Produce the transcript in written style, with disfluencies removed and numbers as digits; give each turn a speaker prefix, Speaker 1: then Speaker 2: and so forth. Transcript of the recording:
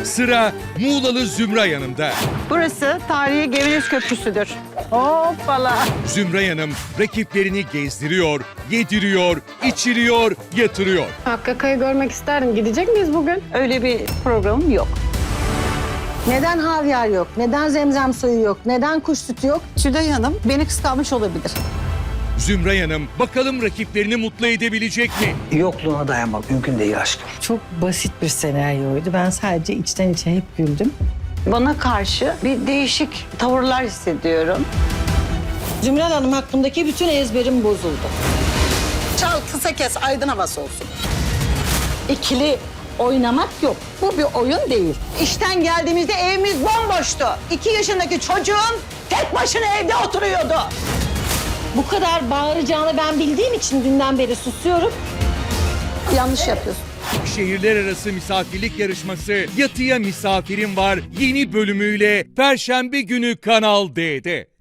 Speaker 1: Sıra Muğlalı Zümray Hanım'da.
Speaker 2: Burası tarihi Geveliş Köprüsü'dür. Hoppala.
Speaker 1: Zümray Hanım rakiplerini gezdiriyor, yediriyor, içiriyor, yatırıyor.
Speaker 3: Hakkı Akay'ı görmek isterdim. Gidecek miyiz bugün?
Speaker 2: Öyle bir programım yok.
Speaker 4: Neden havyar yok? Neden zemzem suyu yok? Neden kuş sütü yok?
Speaker 2: Tülay Hanım beni kıskanmış olabilir.
Speaker 1: Zümray Hanım bakalım rakiplerini mutlu edebilecek mi?
Speaker 5: Yokluğuna dayanmak mümkün değil aşkım.
Speaker 6: Çok basit bir senaryoydu. Ben sadece içten içe hep güldüm.
Speaker 2: Bana karşı bir değişik tavırlar hissediyorum.
Speaker 4: Zümrel Hanım hakkındaki bütün ezberim bozuldu.
Speaker 7: Çal kısa kes aydın havası olsun. İkili oynamak yok. Bu bir oyun değil.
Speaker 4: İşten geldiğimizde evimiz bomboştu. 2 yaşındaki çocuğum tek başına evde oturuyordu. Bu kadar bağıracağını ben bildiğim için dünden beri susuyorum.
Speaker 7: Yanlış yapıyorsun.
Speaker 1: Şehirler arası misafirlik yarışması Yatıya Misafirim Var yeni bölümüyle Perşembe günü Kanal D'de.